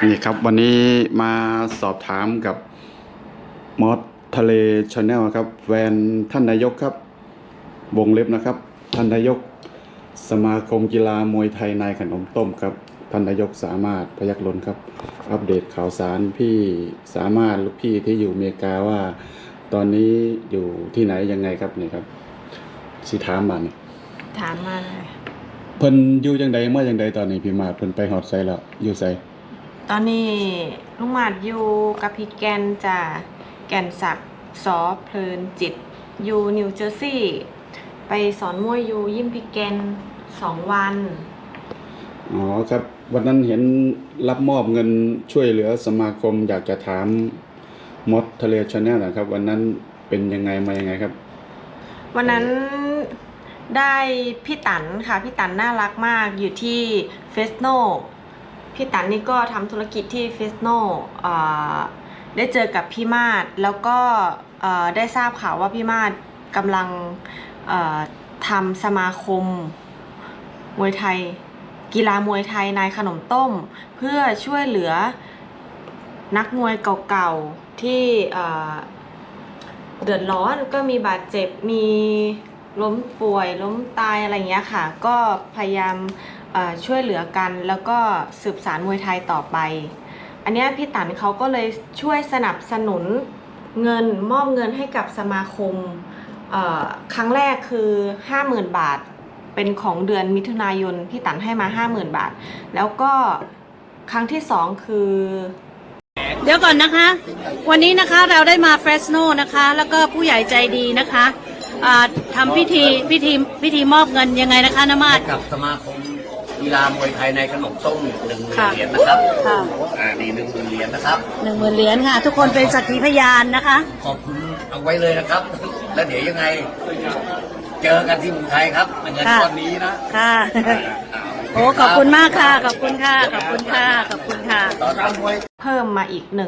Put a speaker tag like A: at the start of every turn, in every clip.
A: นี่ครับวันนี้มาสอบถามกับมอสทะเลชาแนลครับแฟนท่านนายกครับวงเล็บนะครับท่านนายกสมาคมกีฬามวยไทยนายขนมต้มครับท่านนายกสามารถพยัคฆ์ล้นครับอัปเดตข่าวสารพี่สามารถลูกพี่ที่อยู่อเมริกาว่าตอนนี้อยู่ที่ไหนยังไงครับนี่ครับสิถามมานี่
B: ถามมาเลย
A: เพิ่นอยู่จังใดเมื่อจังใดตอนนี้พี่มาเพิ่นไปฮอดไสแล้วอยู่ไส
B: ตอนนี้ลุงหมาดอยู่กับพี่แกนจ้ะแกนศักดิ์สอเพลินจิตอยู่นิวเจอร์ซีย์ไปสอนมวยอยู่ยิมพี่แกน2 วัน
A: อ๋อครับวันนั้นเห็นรับมอบเงินช่วยเหลือสมาคมอยากจะถามมอสทะเลชาแนลนะครับวันนั้นเป็นยังไงมายังไงครับ
B: วันนั้นได้พี่ตันค่ะพี่ตันน่ารักมากอยู่ที่เฟสโนพี่ตันนี่ก็ทำธุรกิจที่เฟสโนได้เจอกับพี่มาศแล้วก็ได้ทราบข่าวว่าพี่มาศกำลังทำสมาคมมวยไทยกีฬามวยไทยนายขนมต้มเพื่อช่วยเหลือนักมวยเก่าๆที่เดือดร้อนก็มีบาดเจ็บมีล้มป่วยล้มตายอะไรเงี้ยค่ะก็พยายามช่วยเหลือกันแล้วก็สืบสานมวยไทยต่อไปอันนี้พี่ตันเขาก็เลยช่วยสนับสนุนเงินมอบเงินให้กับสมาคมครั้งแรกคือ 50,000 บาทเป็นของเดือนมิถุนายนพี่ตันให้มา 50,000 บาทแล้วก็ครั้งที่2คือ
C: เดี๋ยวก่อนนะคะวันนี้นะคะเราได้มาเฟรชโนนะคะแล้วก็ผู้ใหญ่ใจดีนะคะทำพิธีมอบเงินยังไงนะคะน้ามาศ
D: กับสมาคมกีฬามวยไทยในขนมต้ม10,000 เหรียญนะครับนี่10,000 เหรียญนะครับ
C: 10,000 เหรียญค่ะทุกคนเป็นสักขีพยานนะคะ
D: ขอบคุณเอาไว้เลยนะครับแล้วเดี๋ยวยังไงเจอกันที่เมืองไทยครับเงินก้อนนี้นะ
C: ค่ะโอ้ขอบคุณมากค่ะขอบคุณค่ะขอบคุณค่ะขอบคุณค่ะ
B: เพิ่มมาอีก10,000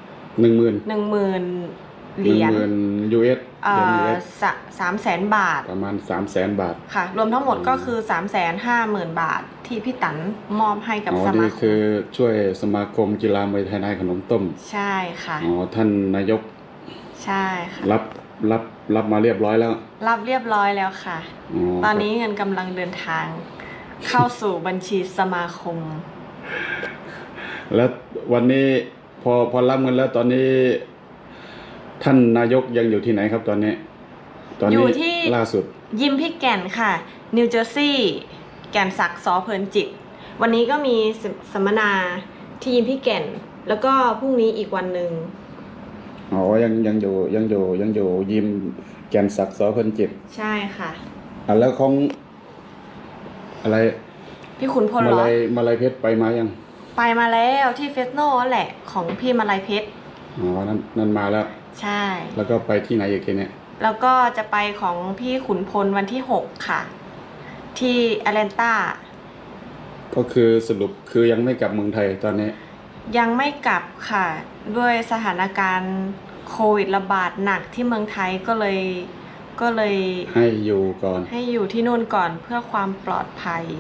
B: เหรียญ
A: US
B: 300,000 บาท
A: ประมาณ300,000 บาท
B: ค่ะรวมทั้งหมดก็คือ350,000 บาทที่พี่ตันมอบให้กับสมาคม
A: นี่คือช่วยสมาคมกีฬามวยไทยนายขนมต้ม
B: ใช่ค่ะ
A: ท่านนายก
B: ใช่ค่ะ
A: รับมาเรียบร้อยแล้ว
B: รับเรียบร้อยแล้วค่ะตอนนี้เงินกำลังเดินทางเข้าสู่บัญชีสมาคม
A: แล้ววันนี้พอรับเงินแล้วตอนนี้ท่านนายกยังอยู่ที่ไหนครับตอนนี้
B: อยู่ที่
A: ล่าสุด
B: ยิมพี่แก่นค่ะนิวเจอร์ซีย์แก่นศักดิ์สอเพลินจิตวันนี้ก็มีสัมมนาที่ยิมพี่แก่นแล้วก็พรุ่งนี้อีกวันหนึ่ง
A: ยังอยู่ยิมแก่นศักดิ์สอเพลินจิต
B: ใช่ค่ะ
A: แล้วของอะไร
B: พี่ขุนพลเหรอ
A: มาลัยเพชรไปมายัง
B: ไปมาแล้วที่เฟสโน่แหละของพี่มาลัยเพชร
A: นั่นมาแล้ว
B: ใช่
A: แล้วก็ไปที่ไหนอีกทีเนี่ย
B: แล้วก็จะไปของพี่ขุนพลวันที่6ค่ะที่แอตแลนตา
A: ก็คือสรุปคือยังไม่กลับเมืองไทยตอนนี้
B: ยังไม่กลับค่ะด้วยสถานการณ์โควิดระบาดหนักที่เมืองไทยก็เลย
A: ให้อยู่ก่อน
B: ให้อยู่ที่นู่นก่อนเพื่อความปลอดภัย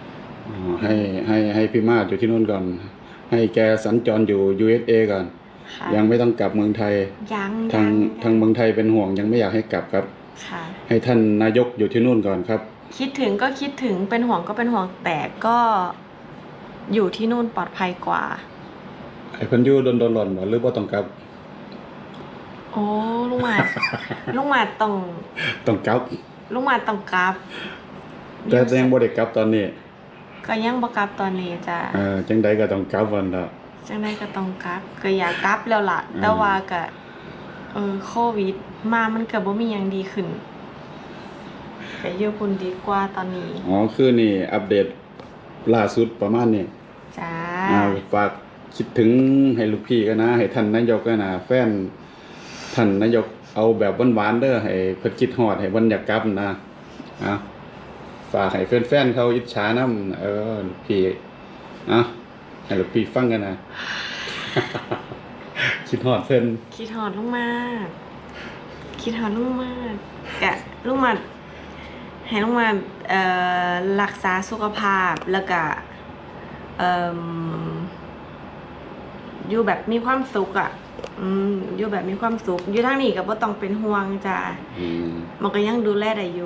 A: ให้พี่มาศอยู่ที่นู่นก่อนให้แกสัญจรอยู่ USA ก่อนยังไม่ต้องกลับเมืองไทยทางเมืองไทยเป็นห่วงยังไม่อยากให้กลับครับให้ท่านนายกอยู่ที่นู่นก่อนครับ
B: คิดถึงก็คิดถึงเป็นห่วงก็เป็นห่วงแต่ก็อยู่ที่นู่นปลอดภัยกว่า
A: ไอ้เพิ่นอยู่โดนๆบ่หรือบ่ต้องกลับ
B: โอ้ลุงหมาด
A: ต้องกลับ
B: ลุงหมาดต้องกลับ
A: แต่ยังบ่ได้กลับตอนนี้
B: ก็ยังบ่กลับตอนนี้จ้ะ
A: จังใดก็ต้องกลับวันละ
B: จังใดก็ต้องกลับก็อยากกลับแล้วล่ะแต่ว่าก็โควิดมามันก็บ่มีหยังดีขึ้นก็อยู่พุ่นดีกว่าตอนนี้
A: คือนี่อัปเดตล่าสุดประมาณนี้
B: จ้า
A: ฝากคิดถึงให้ลูกพี่กันนะให้ท่านนายกกันนะแฟนท่านนายกเอาแบบหวานๆเด้อให้เพิ่นคิดฮอดให้เพิ่นอยากกลับนะฝากให้แฟนๆเขาอิจฉานำพี่ให้ลูกพี่ฟังกันนะคิดฮอดเพิ่น
B: คิดฮอดลุงมากกะลุงมาให้ลุงมารักษาสุขภาพแล้วก็อยู่แบบมีความสุขอ่ะอยู่แบบมีความสุขอยู่ทางนี้ก็บ่ต้องเป็นห่วงจ้ะมันก็ยังดูแลได้อยู่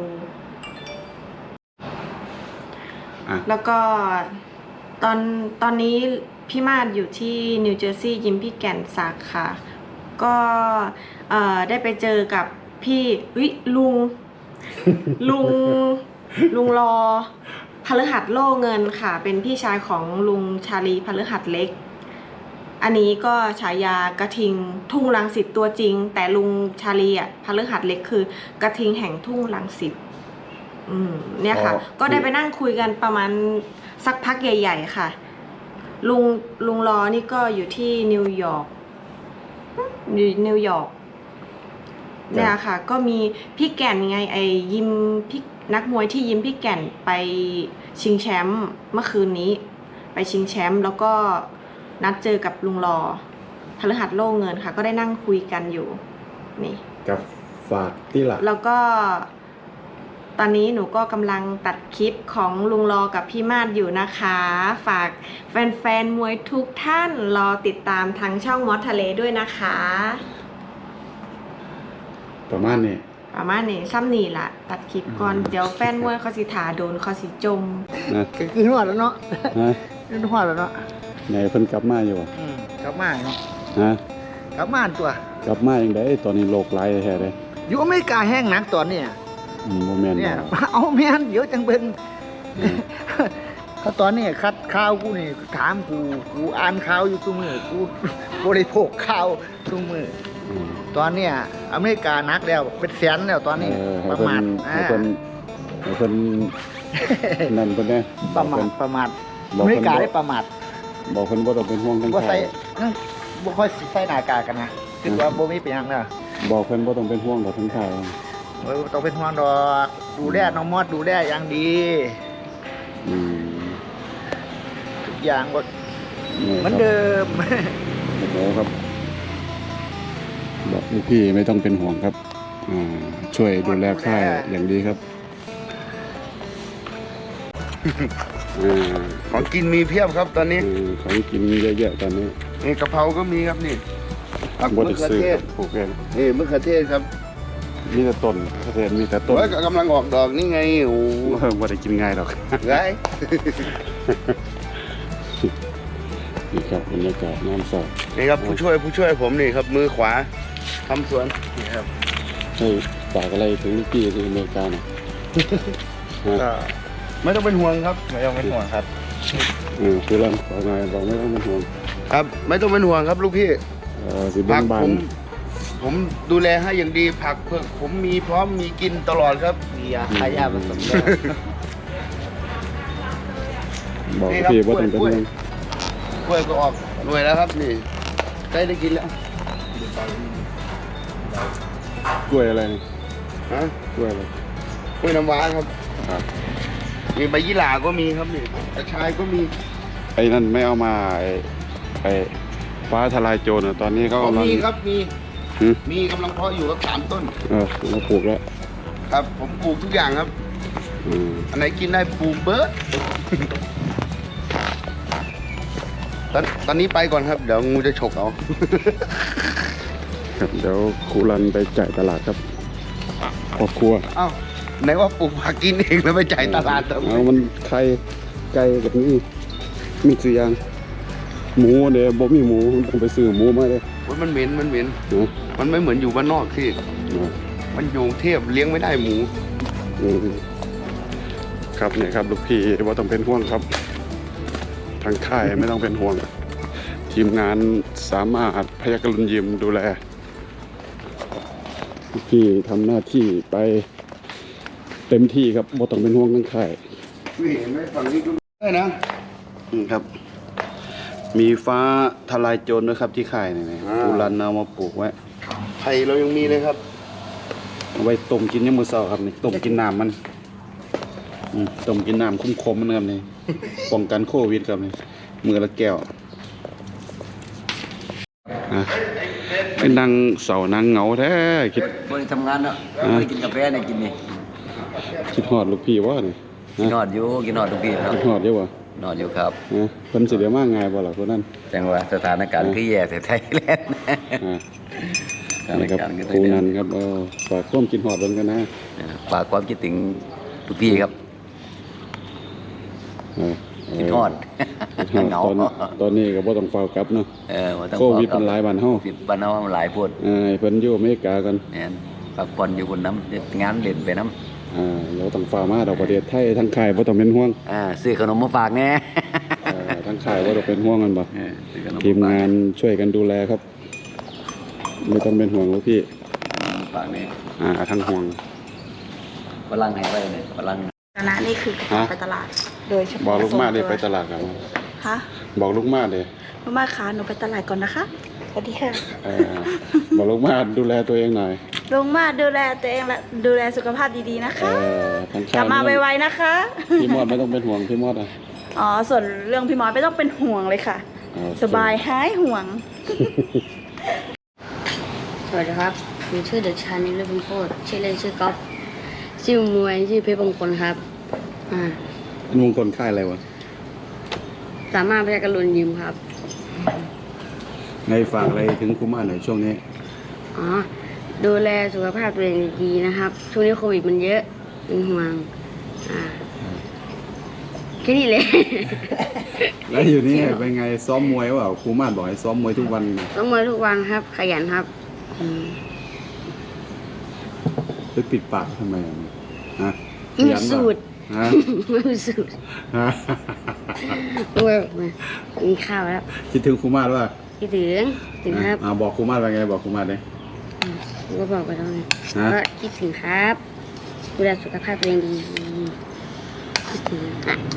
B: แล้วก็ตอนนี้พี่มาดอยู่ที่นิวเจอร์ซีย์ยิมพี่แก่นซักค่ะก็ได้ไปเจอกับพี่ลุง ลุงรอพฤหัสโล่เงินค่ะเป็นพี่ชายของลุงชาลีพฤหัสเล็กอันนี้ก็ฉายากระทิงทุ่งรังสิตตัวจริงแต่ลุงชาลีพฤหัสเล็กคือกระทิงแห่งทุ่งรังสิตเนี่ยค่ะก็ได้ไปนั่งคุยกันประมาณสักพักใหญ่ๆค่ะลุงรอนี่ก็อยู่ที่นิวยอร์กเนี่ยค่ะก็มีพี่แก่นไงยิมพี่นักมวยที่ยิมพี่แก่นไปชิงแชมป์เมื่อคืนนี้ไปชิงแชมป์แล้วก็นัดเจอกับลุงรอพฤหัสโล่เงินค่ะก็ได้นั่งคุยกันอยู่นี่
A: กับฝากที่หลัก
B: แล้วก็ตอนนี้หนูก็กำลังตัดคลิปของลุงรอกับพี่มาดอยู่นะคะฝากแฟนๆมวยทุกท่านรอติดตามทางช่องมอสทะเลด้วยนะคะ
A: ประมาณนี้
B: ซ้ำนี่ล่ะตัดคลิปก่อนเดี๋ยวแฟนมวยเขาสิถาโดนเขาสิจม
E: คือหอดแล้วเนาะคือหอดแล้วเนาะ
A: ไหนเพิ่นกลับมาอยู่
E: กลับมาเนาะกลับมาตัว
A: กลับมาอย่างไดตอนนี้โรคหลายแท้เลย
E: อยู่อเมริกาแห้งหนักตอนนี้
A: โมเมนต์
E: เนี่ยเอาแม่นเดี๋ยวจังเบิ่งเขาตอนนี้คัดข่าวกูนี่ถามกูอ่านข่าวอยู่ทุกมื้อกูบริโภคข่าวทุกมื้อตอนเนี้ยอเมริกานักแล้วเป็นแสนแล้วตอนนี้ประมาท
A: ให้เพิ่นนั่นเพิ่นได้
E: ประมาทอเมริกาได้ประมาท
A: บอกเพิ่นบ่ต้องเป็นห่วงทั้ง
E: บ่ใส่บ่ค่อยใส่หน้ากากกันนะคิดว่าบ่มีเป็นหยังเด้อ
A: บอกเพิ่นบ่ต้องเป็นห่วงดอกทั้งข่าว
E: ต้องเป็นห่วงดอกดูแลน้องมอดดูแลอย่างดีทุกอย่างก็เหมือนเดิม
A: โอ้โหครับบอกลูกพี่ไม่ต้องเป็นห่วงครับช่วยดูแลค่ายอย่างดีครับ
E: ของกินมีเพียบครับตอนนี้
A: ของกินมีเยอะๆตอนนี้
E: นี่กะเพราก็มีครับนี่
A: มะเขือเทศปลูกเอง
E: นี่มะเขือเทศครับ
A: มีแต่ต้นมะเขือเทศมีแต่ต้น
E: กำลังออกดอกนี่ไงโอ้
A: ไม่ได้กินง่ายหรอก
E: ไง
A: นี่ครับบรรยากาศน้ำสด
E: นี่ครับผู้ช่วยผมนี่ครับมือขวาทำสวนนี่ครับ
A: ให้ฝากอะไรถึงลูกพี่ที่อเมริกาหน่อย
E: ไม่ต้องเป็นห่วงครับไม่ต้องเป็นห่วงครับ
A: คือเราบอกไงบอกไม่ต้องเป็นห่วง
E: ครับไม่ต้องเป็นห่วงครับลูกพี่
A: ผัก
E: ผมดูแลให้อย่างดีผักเพื่อผมมีพร้อมมีกินตลอดครับมียาขายยาผสม
A: บอกพี่ว่าต้องเป็นห่วง
E: กล้วยก็ออกหน่วยแล้วครับนี่ใกล้ได้กินแล้ว
A: กล้วยอะไร
E: กล้วยอะไรกล้วยน้ำว้าครับมีใบยี่หร่าก็มีครับนี่กระชายก็มี
A: ไอ้นั่นไม่เอามาไอ้ฟ้าทลายโจรตอนนี้เขากำลัง
E: มีครับมีกำลังเพาะอยู่ครับ3 ต้น
A: เราปลูกแล้ว
E: ครับผมปลูกทุกอย่างครับอันไหนกินได้ปลูกเบิร์ดตอนนี้ไปก่อนครับเดี๋ยวงูจะฉกเอา
A: ครับเดี๋ยวครูรันไปจ่ายตลาดครับครอบครัว
E: ไหนว่าปลูกผักกินเองแล้วไปจ่ายตลาด
A: มันไข่ไก่แบบนี้มี4 อย่างหมูเดี๋ยวบ่มีหมูต้องไปซื้อหมูมาเลย
E: มันเหม็นมันไม่เหมือนอยู่บ้านนอกที่มันอยู่เทพเลี้ยงไม่ได้หมู
A: ครับเนี่ยครับลูกพี่ว่าต้องเป็นห่วงครับทางค่ายไม่ต้องเป็นห่วงทีมงานสามารถพยัคฆ์รุนยิมดูแลลูกพี่ทำหน้าที่ไปเต็มที่ครับบ่ต้องเป็นห่วงทั้งค่าย
E: เห็นไหมฝั่งนี้ก็ได้นะ
A: ครับมีฟ้าทลายโจรด้วยครับที่ค่ายนี่กูรันเอามาปลูกไว้
E: ไผ่เรายังมีเลยครับ
A: เอาไว้ต้มกินยามมื้อเช้าครับนี่ต้มกินน้ำมันต้มกินน้ำคุ้มๆมันครับนี่ป้องกันโควิดครับนี่มือละแก้วเป็นนางเสานางเหงาแท้
D: คิดวันนี้ทำงานเนาะไม่กินกาแฟเนี่ยกินนี่
A: คิดฮอดลูกพี่ว่านี่
D: กินฮอดอยู่กินฮอดลูกพี่ครับ
A: กินฮอดเยอะวะ
D: นอนอยู่ครับ
A: นะเพิ่นสิเดี๋ยวมาง่ายบ่ล่ะคนนั้น
D: จังหวะสถานการณ์คือแย่แต่ไทยแลนด์
A: อ่า
D: สถาน
A: นี่ครับ
D: การณ์คือ
A: ครูนันครับฝากความคิดฮอดเบิ่งกันนะ
D: ฝากความคิดถึงทุกพี่ครับ
A: เออ
D: คิดฮอด เหงา
A: ตอนนี้ก็บ่ต้องเฝ้ากลับเนาะ
D: มันต้อง
A: โควิดมันหลายบ้านเฮา
D: โควิดบ้านเฮามันหลายพูด
A: ให้เพิ่นอยู่อเมริกากัน
D: เนี่ยพักผ่อนอยู่บนน้ำงานเด่นไปน้ำ
A: เราต้องฝ่ามาดอกประเทศไทยทั้งค่ายบ่ต้องเป็นห่วง
D: ซื้อขนมมาฝากแน่
A: ทั้งค่ายบ่ต้องเป็นห่วงกันบ่
D: ซื้อขนม
A: ทีมงานช่วยกันดูแลครับ ไม่ต้องเป็นห่วงลูกพี่
D: ฝากแน่
A: ทั้งห่วง
D: ฝรั่งให้ไว้เนี่ยฝรั่ง
B: คณะนี่คือกระเป๋าไปตลาด โดยเฉพาะ
A: บอกลูกมาดิ
B: ส่ง
A: ไปตลาดกัน
B: ฮะ
A: บอกลูกมาดิ
B: ลูกมาคะหนูไปตลาดก่อนนะคะสวัสดีค่ะ
A: บอกลูกมาดูแลตัวเองหน่อย
B: ลุงมาดูแลตัวเองและดูแลสุขภาพดีๆนะคะ
A: ทั้ง
B: ก
A: ค่า
B: ลั
A: ย
B: บมาไวๆนะคะ
A: พี่มอดไม่ต้องเป็นห่วงพี่มอดอ่ะ
B: อ๋อ ส่วนเรื่องพี่มอสไม่ต้องเป็นห่วงเลยค่ะ สบายหายห่วง
F: สวัสดีครับผมชื่อเด็กชายนิรพงศ์โคตรชื่อเล่นชื่อก๊อฟชื่อมวยชื่อเพชรมงคลครับ
A: เป็นมงคลค่ายอะไรวะ
F: สามารถพยักรุณยิมครับ
A: ในฝากอะไรถึงครูมาหน่อยช่วงนี้
F: อ๋อ ดูแลสุขภาพตัวเองดีๆนะครับ ช่วงนี้โควิดมันเยอะเป็นห่วงแค่นี้เลย
A: แล้วอยู่นี่เป็นไงซ้อมมวยเปล่าครูมาบอกให้ซ้อมมวยทุกวัน
F: ต้องมาทุกวันครับ ขยันครับ
A: ไปปิดปากทำไมฮะ
F: ไม่มีสูตร
A: ฮะ
F: ไม่มีสูตร
A: ฮะ
F: มากินข้าวแล้ว
A: คิดถึงครูมาหรือเปล่า
F: คิดถึงครับ
A: บอกครูมาว่าไงบอกครูมาเลย
F: ก็บอกไปแล้วไง
A: ฮะ
F: ก็คิดถึงครับดูแลสุขภาพตัวเองดีคิดถึงอ่ะ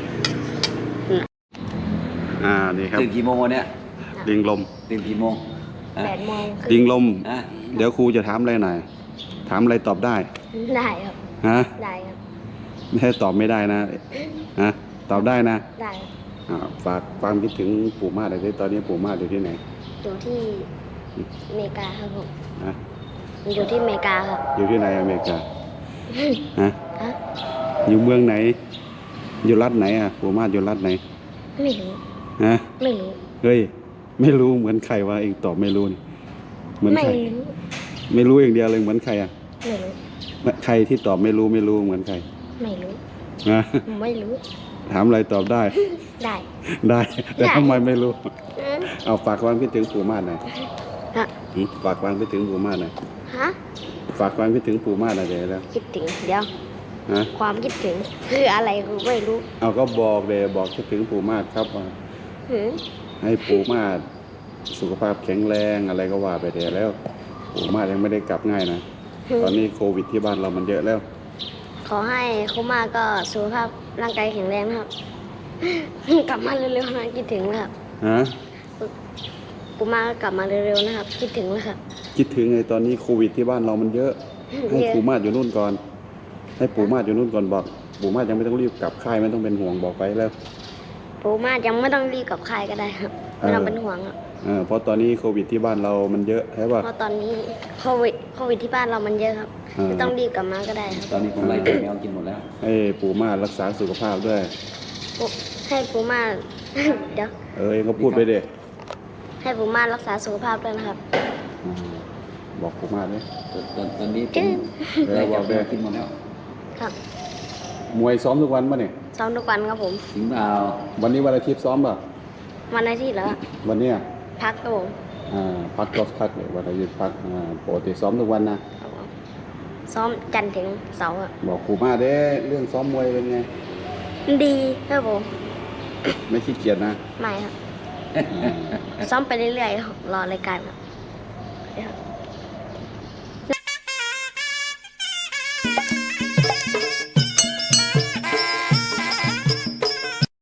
A: นี่ครับ
D: ตื่นกี่โมงวันเนี้ย
A: ดิงลม
D: ตื่นกี่โมง
B: 8 โมง
A: ดิงลม
D: อ่ะ
A: เดี๋ยวครูจะถามอะไรหน่อย ถามอะไรตอบได้
F: ได้ครับ
A: ฮะ
F: ได้ครับ
A: ไม่ให้ตอบไม่ได้นะ ฮะ ตอบได้นะ
F: ได้
A: ฝากความคิดถึงปู่มาหน่อยสิตอนนี้ปู่มาอยู่ที่ไหน
F: อยู่ที่อเมริกาครับผม
A: ฮะ
F: อยู่ที่อเมริกาครับ
A: อยู่ที่ไหนอเมริกา ฮะ
F: ฮะ
A: อยู่เมืองไหน อยู่รัฐไหนปู่มาอยู่รัฐไหน
F: ไม่รู้
A: ฮะ
F: ไม่รู้
A: เฮ้ย ไม่รู้เหมือนใครวะเองตอบไม่รู้นี่เหมือน
F: ไม่
A: ใคร
F: รู้
A: ไม่รู้อย่างเดียวเลยเหมือนใครอ่ะ
F: ไม่รู้
A: ใครที่ตอบไม่รู้เหมือนใคร
F: ไม่รู้
A: นะ
F: ไม่รู้
A: ถามอะไรตอบได้
F: ได้
A: ได้ แต่
F: ได้
A: ทำไมไม่รู้
F: อืม
A: เอาฝากความคิดถึงปู่มาหน่อย
F: ฮะ
A: ฝากความคิดถึงปู่มาหน่อย
F: ฮะ
A: ฝากความคิดถึงปู่มาหน่อยเดี๋ยวแล้ว
F: คิดถึงเดี๋ยว
A: ฮะ
F: ความคิดถึงคืออะไรกูไม่รู้
A: เอาก็บอกเลยบอกคิดถึงปู่มาครับว่า
F: หืม
A: ให้ปู่มาสุขภาพแข็งแรงอะไรก็ว่าไปเดี๋ยวแล้ว ปู่มายังไม่ได้กลับง่ายนะ ตอนนี้โควิดที่บ้านเรามันเยอะแล้ว
F: ขอให้คุณมาก็สุขภาพร่างกายแข็งแรงนะครับ กลับมาเร็วๆนะคิดถึงนะครับ
A: ฮะ
F: ปูมาก็กลับมาเร็วๆนะครับ คิดถึงนะครับ
A: คิดถึงไงตอนนี้โควิดที่บ้านเรามันเยอะ ให้
F: เยอะ
A: ปู่มาอยู่นู่นก่อน ให้ปู่มาอยู่นู่นก่อนบอก ปู่มายังไม่ต้องรีบกลับค่ายไม่ต้องเป็นห่วงบอกไปแล้ว
F: ปูมายังไม่ต้องรีบกับใครก็ได้ครับไม่ต้องเป็นห่วงครับ
A: เพราะตอนนี้โควิดที่บ้านเรามันเยอะใช่ป่ะ
F: เพราะตอนนี้โควิดที่บ้านเรามันเยอะครับ ไม่ต้องรีบกลับมาก็ได้ครับ
D: ตอนนี้ผมไล่แมวกินหมดแล้ว
A: ให้ปู่มารักษาสุขภาพด้วย
F: ให้ปูมา เดี๋ยว
A: เองก็พูดไปเด็
F: ให้ปูมารักษาสุขภาพด้วยนะครับ
A: บอกปู่มาเลย
D: ตอนนี้ผ
F: จึ๊
D: ม
F: ด
D: ไล่แมวกินหมดแล้ว
F: ครับ
A: มวยซ้อมทุกวันป่ะเนี่ย
F: ซ้อมทุกวันครับผม
D: ถึงเปล่า
A: วันนี้วันอาทิตย์ซ้อมป่ะ
F: วันอาทิตย์แล้ว
A: วันเนี้ย
F: พักครับผม
A: พักก็พักเลยวันอาทิตย์พักปกติซ้อมทุกวันนะ
F: ครับผมซ้อมจันทร์ถึงเสาร์อะ
A: บอกปู่มาเด้เรื่องซ้อมมวยเป็นไง
F: ดีครับผม
A: ไม่ขี้เกียจนะ
F: ไม่ครับ ซ้อมไปเรื่อยๆครับรอรายการครับ